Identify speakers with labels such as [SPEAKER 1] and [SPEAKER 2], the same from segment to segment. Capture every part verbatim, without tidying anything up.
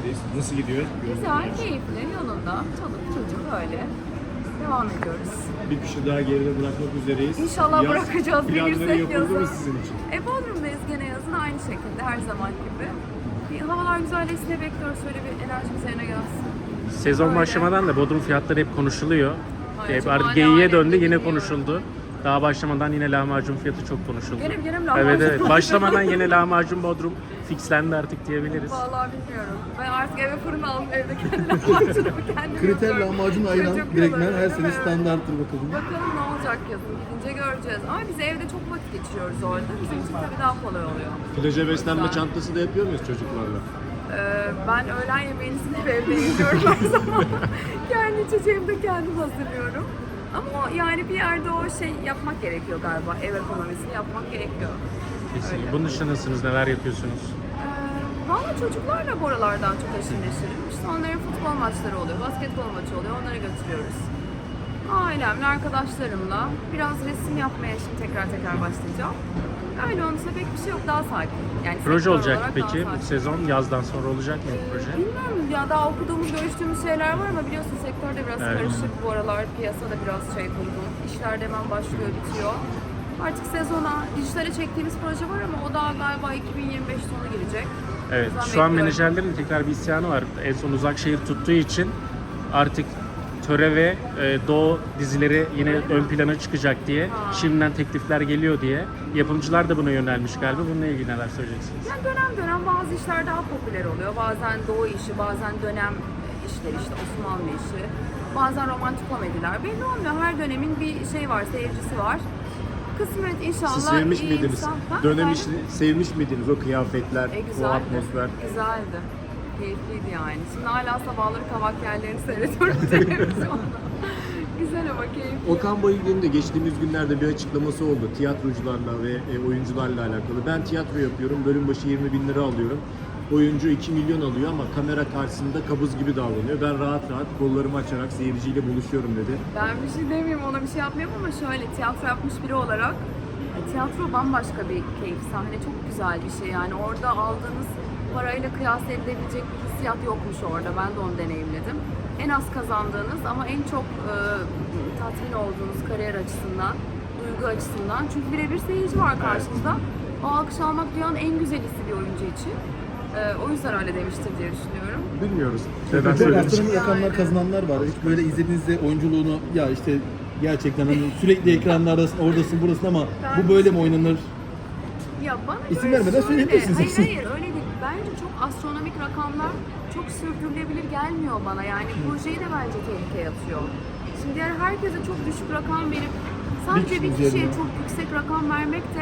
[SPEAKER 1] birlikteyiz. Nasıl gidiyor?
[SPEAKER 2] Güzel, keyifli, yolunda. Çoluk çocuk öyle. Devam ediyoruz.
[SPEAKER 1] Bir kişi daha geride bırakmak üzereyiz.
[SPEAKER 2] İnşallah
[SPEAKER 1] Yaz
[SPEAKER 2] bırakacağız,
[SPEAKER 1] planları
[SPEAKER 2] bilirsek
[SPEAKER 1] yapıldı mı
[SPEAKER 2] yazın.
[SPEAKER 1] sizin için?
[SPEAKER 2] E Bodrum'dayız gene yazın aynı şekilde her zaman gibi. Bir havalar güzelleşsin bekliyoruz, şöyle bir enerjimiz yerine gelsin.
[SPEAKER 3] Sezon
[SPEAKER 2] Öyle.
[SPEAKER 3] başlamadan da Bodrum fiyatları hep konuşuluyor.
[SPEAKER 2] Aynen,
[SPEAKER 3] Hep
[SPEAKER 2] çok
[SPEAKER 3] artık
[SPEAKER 2] hala
[SPEAKER 3] geyiğe
[SPEAKER 2] hala
[SPEAKER 3] döndü, yine
[SPEAKER 2] bilmiyorum.
[SPEAKER 3] konuşuldu. Daha başlamadan yine lahmacun fiyatı çok konuşuldu.
[SPEAKER 2] Gene gene mi lahmacun?
[SPEAKER 3] Evet evet. Başlamadan yine lahmacun Bodrum fixlendi artık diyebiliriz.
[SPEAKER 2] Vallahi bilmiyorum. Ben artık eve fırın aldım, evde kendi lahmacunumu kendim
[SPEAKER 4] Kriter
[SPEAKER 2] yapıyorum.
[SPEAKER 4] lahmacun ayran
[SPEAKER 2] Çocuk
[SPEAKER 4] direktmen
[SPEAKER 2] yılları,
[SPEAKER 4] her
[SPEAKER 2] değil
[SPEAKER 4] sene
[SPEAKER 2] mi?
[SPEAKER 4] standarttır bakalım.
[SPEAKER 2] Bakalım ne olacak yazın, gidince göreceğiz. Ama biz evde çok vakit geçiriyoruz orada. Bizim için tabii daha kolay oluyor.
[SPEAKER 1] Plaja beslenme
[SPEAKER 2] Güzel.
[SPEAKER 1] çantası da yapıyor muyuz çocuklarla?
[SPEAKER 2] Ee, ben öğlen yemeğini sınıf evde yiyorum her zaman. Kendi içeceğimi de kendim hazırlıyorum. Ama o, yani bir yerde o şey yapmak gerekiyor galiba. Ev ekonomisini yapmak gerekiyor.
[SPEAKER 3] Kesinlikle.
[SPEAKER 2] Öyle.
[SPEAKER 3] Bunun dışında nasılsınız? Neler yapıyorsunuz?
[SPEAKER 2] Ee, Valla çocuklarla bu aralardan çok aşırı neşirim. İşte onların futbol maçları oluyor, basketbol maçı oluyor. Onları götürüyoruz. Ailemle, arkadaşlarımla biraz resim yapmaya şimdi tekrar tekrar başlayacağım. Öyle olursa pek bir şey yok, daha sakin. Yani
[SPEAKER 3] Proje
[SPEAKER 2] sektör
[SPEAKER 3] olacak
[SPEAKER 2] olarak
[SPEAKER 3] peki
[SPEAKER 2] daha
[SPEAKER 3] bu
[SPEAKER 2] sakin.
[SPEAKER 3] sezon yazdan sonra olacak mı bu proje?
[SPEAKER 2] Bilmiyorum ya, daha okuduğumuz, görüştüğümüz şeyler var ama biliyorsun sektörde biraz
[SPEAKER 3] Evet.
[SPEAKER 2] karışık bu aralar, piyasada biraz şey durgun. İşler de hemen başlıyor, bitiyor. Artık sezona, dijitale çektiğimiz proje var ama o daha galiba iki bin yirmi beş sonu girecek.
[SPEAKER 3] Evet.
[SPEAKER 2] O yüzden
[SPEAKER 3] Şu an
[SPEAKER 2] bekliyorum.
[SPEAKER 3] menajerlerin tekrar bir isyanı var. En son Uzakşehir tuttuğu için artık Töre ve e, Doğu dizileri yine
[SPEAKER 2] Öyle
[SPEAKER 3] ön
[SPEAKER 2] mi?
[SPEAKER 3] plana çıkacak diye
[SPEAKER 2] Ha.
[SPEAKER 3] şimdiden teklifler geliyor diye. Yapımcılar da buna yönelmiş galiba. Bununla ilgili neler söyleyeceksiniz?
[SPEAKER 2] Yani dönem dönem bazı işler daha popüler oluyor. Bazen doğu işi, bazen dönem işleri, işte Osmanlı işi. Bazen romantik komediler. Belli olmuyor. Her dönemin bir şey var, seyircisi var. Kısmet inşallah.
[SPEAKER 1] Siz sevmiş
[SPEAKER 2] iyi
[SPEAKER 1] miydiniz?
[SPEAKER 2] insan- Ha,
[SPEAKER 1] Dönem
[SPEAKER 2] efendim?
[SPEAKER 1] işini sevmiş miydiniz? O kıyafetler,
[SPEAKER 2] E,
[SPEAKER 1] o
[SPEAKER 2] güzeldi.
[SPEAKER 1] atmosfer.
[SPEAKER 2] Güzeldi. Keyifliydi yani. Şimdi hala sabahları kavak yerlerini seyrediyorum televizyonda. Güzel ama keyifli.
[SPEAKER 1] Okan Bayülgen'in de geçtiğimiz günlerde bir açıklaması oldu. Tiyatrocularla ve e, oyuncularla alakalı. Ben tiyatro yapıyorum, bölüm başı yirmi bin lira alıyorum. Oyuncu iki milyon alıyor ama kamera karşısında kabız gibi davranıyor. Ben rahat rahat kollarımı açarak seyirciyle buluşuyorum dedi.
[SPEAKER 2] Ben bir şey demeyeyim, ona bir şey yapmayayım ama şöyle tiyatro yapmış biri olarak e, tiyatro bambaşka bir keyif, sahne çok güzel bir şey yani orada aldığınız parayla kıyas edilebilecek bir hissiyat yokmuş orada, ben de onu deneyimledim. En az kazandığınız ama en çok e, tatmin olduğunuz kariyer açısından, duygu açısından, çünkü birebir seyirci var karşınızda. O alkış almak dünyanın en güzel hissi bir oyuncu için. E, o yüzden öyle demiştir diye düşünüyorum.
[SPEAKER 1] Bilmiyoruz.
[SPEAKER 3] Neden
[SPEAKER 4] Çok
[SPEAKER 3] söylemiş?
[SPEAKER 4] astronomik rakamlar kazananlar var. Hiç böyle izlediğinizde oyunculuğunu ya işte gerçekten hani sürekli ekranlardasın, oradasın, burasın ama bu böyle mi oynanır?
[SPEAKER 2] Ya bana
[SPEAKER 4] İsim
[SPEAKER 2] göre
[SPEAKER 4] vermeden
[SPEAKER 2] şöyle-
[SPEAKER 4] söyleyebilirsiniz
[SPEAKER 2] Hayır
[SPEAKER 4] hepsini.
[SPEAKER 2] hayır öyle değil. Bence çok astronomik rakamlar çok sürdürülebilir gelmiyor bana. Yani projeyi de bence tehlikeye atıyor. Şimdi diğer herkese çok düşük rakam verip sadece
[SPEAKER 4] Bir
[SPEAKER 2] bir
[SPEAKER 4] kişi
[SPEAKER 2] kişiye
[SPEAKER 4] üzerine.
[SPEAKER 2] çok yüksek rakam vermek de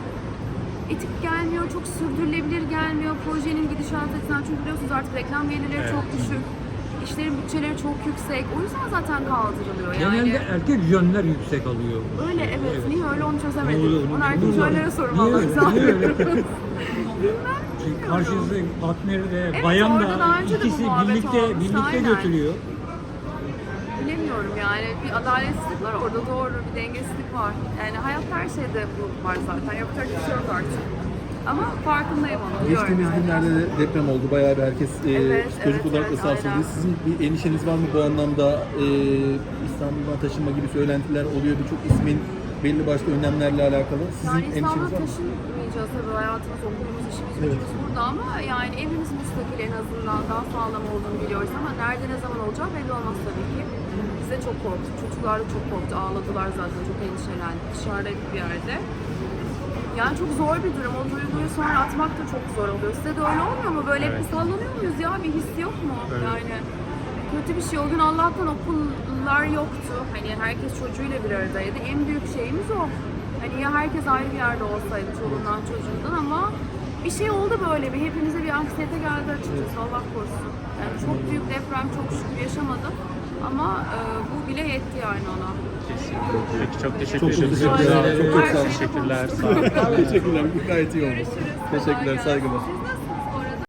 [SPEAKER 2] etik gelmiyor, çok sürdürülebilir gelmiyor projenin gidişatı açısından. Çünkü biliyorsunuz artık reklam gelirleri
[SPEAKER 3] Evet.
[SPEAKER 2] çok düşük. İşlerin bütçeleri çok yüksek. O yüzden zaten kaldırılıyor. Yani
[SPEAKER 5] Genelde erkek jönler yüksek alıyor.
[SPEAKER 2] öyle evet. Niye öyle onu
[SPEAKER 5] Ne
[SPEAKER 2] çözemedim.
[SPEAKER 5] oluyor,
[SPEAKER 2] Onu
[SPEAKER 5] ne
[SPEAKER 2] erkek
[SPEAKER 5] oluyor?
[SPEAKER 2] jönlere sorun
[SPEAKER 5] Niye
[SPEAKER 2] vallahi.
[SPEAKER 5] öyle?
[SPEAKER 2] Güzel.
[SPEAKER 5] Niye öyle?
[SPEAKER 2] Bilmem.
[SPEAKER 5] Çünkü karşınızda partneri de
[SPEAKER 2] Evet,
[SPEAKER 5] bayan
[SPEAKER 2] orada daha
[SPEAKER 5] da
[SPEAKER 2] önce de bu
[SPEAKER 5] ikisi
[SPEAKER 2] muhabbet
[SPEAKER 5] birlikte
[SPEAKER 2] olmuştu,
[SPEAKER 5] birlikte
[SPEAKER 2] aynen.
[SPEAKER 5] götürüyor.
[SPEAKER 2] Bilemiyorum yani bir adaletsizlik var orada, doğru bir dengesizlik var. Yani hayat her şeyde bu var zaten, yapacak bir şey yok artık. Ama farkındayım onu, biliyorum
[SPEAKER 4] Geçtiğimiz
[SPEAKER 2] yani.
[SPEAKER 4] günlerde de deprem oldu. Bayağı bir herkes e,
[SPEAKER 2] Evet,
[SPEAKER 4] psikolojik
[SPEAKER 2] evet,
[SPEAKER 4] olarak da
[SPEAKER 2] evet,
[SPEAKER 4] sarsıldı.
[SPEAKER 2] aynen.
[SPEAKER 4] Sizin bir endişeniz var mı bu anlamda? E, İstanbul'dan taşınma gibi söylentiler oluyor. Birçok ismin belli başlı önlemlerle alakalı. Sizin
[SPEAKER 2] Yani İstanbul'a
[SPEAKER 4] endişeniz var mı?
[SPEAKER 2] taşınmayacağız tabii, hayatımız, okulumuz, işimiz,
[SPEAKER 4] Evet.
[SPEAKER 2] gücümüz burada ama yani evimiz müstakil, en azından daha sağlam olduğunu biliyoruz ama nerede ne zaman olacağı belli olmaz tabii ki. Biz de çok korktuk, çocuklar da çok korktu, ağladılar zaten, çok endişelendi, dışarıdaydık bir yerde. Yani çok zor bir durum, o duyguyu sonra atmak da çok zor oluyor. Size de öyle olmuyor mu? Böyle hep
[SPEAKER 3] Evet.
[SPEAKER 2] bir sallanıyor muyuz ya, bir his yok mu?
[SPEAKER 3] Evet.
[SPEAKER 2] Yani kötü bir şey. O gün Allah'tan okullar yoktu. Hani herkes çocuğuyla bir aradaydı. En büyük şeyimiz o. Hani ya herkes ayrı bir yerde olsaydı çoluğundan çocuğundan ama bir şey oldu böyle bir. Hepimize bir anksiyete geldi açıkçası. Allah korusun. Yani çok büyük deprem çok şükür yaşamadım. Ama e, bu bile yetti yani ona.
[SPEAKER 3] Kesinlikle. Peki çok teşekkür
[SPEAKER 4] Çok çok
[SPEAKER 3] ederiz.
[SPEAKER 4] teşekkürler.
[SPEAKER 2] Her
[SPEAKER 4] Çok çok
[SPEAKER 2] şeyi
[SPEAKER 4] sağ olun.
[SPEAKER 3] Teşekkürler.
[SPEAKER 2] konuştuk.
[SPEAKER 3] Sağ olun.
[SPEAKER 4] Teşekkürler. Gayet iyi oldu.
[SPEAKER 2] Görüşürüz.
[SPEAKER 4] Teşekkürler.
[SPEAKER 2] Kolay gelsin.
[SPEAKER 4] Saygılar.
[SPEAKER 2] Siz